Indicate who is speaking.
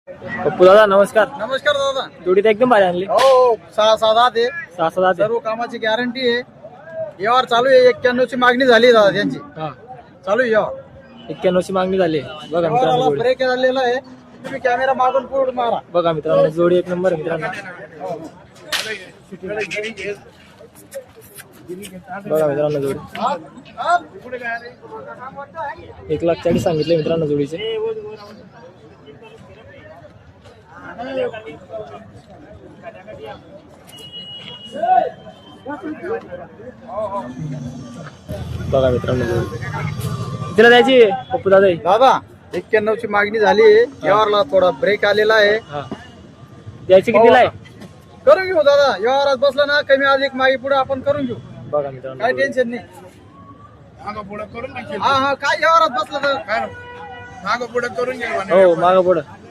Speaker 1: पप्पू दादा नमस्कार.
Speaker 2: नमस्कार दादा.
Speaker 1: जोडीत एकदम भारी आणली.
Speaker 2: हो 6-7 आहे.
Speaker 1: 6-7
Speaker 2: सर्व कामाची गॅरंटी आहे. व्यवहार चालू आहे. 91 ची मागणी झाली दादा त्यांची.
Speaker 1: हा
Speaker 2: चालू आहे व्यवहार.
Speaker 1: 91 ची मागणी झाली. बघा मित्रांनो
Speaker 2: व्यवहाराला
Speaker 1: जोडी.
Speaker 2: ब्रेक झालेला आहे. तुम्ही कॅमेरा मागून पुढे मारा.
Speaker 1: बघा मित्रांनो जोडी एक नंबर आहे मित्रांनो. बघा मित्रांनो जोडी 1,40,000 सांगितले मित्रांनो जोडीचे. बघा मित्रांनो जोडी तिला द्यायची पप्पू दादा.
Speaker 2: दादा 91 ची मागणी झाली आहे. व्यवहारला थोडा ब्रेक आलेला आहे.
Speaker 1: हा द्यायची कितीला आहे?
Speaker 2: करून घेऊ दादा. व्यवहारात बसला ना कमी अधिक मागे पुढे आपण करून घेऊ.
Speaker 1: बघा मित्रांनो
Speaker 2: काय टेन्शन नाही. हा काय व्यवहारात बसला तर
Speaker 3: मागं पुढे करून घे
Speaker 1: हो मागं पुढं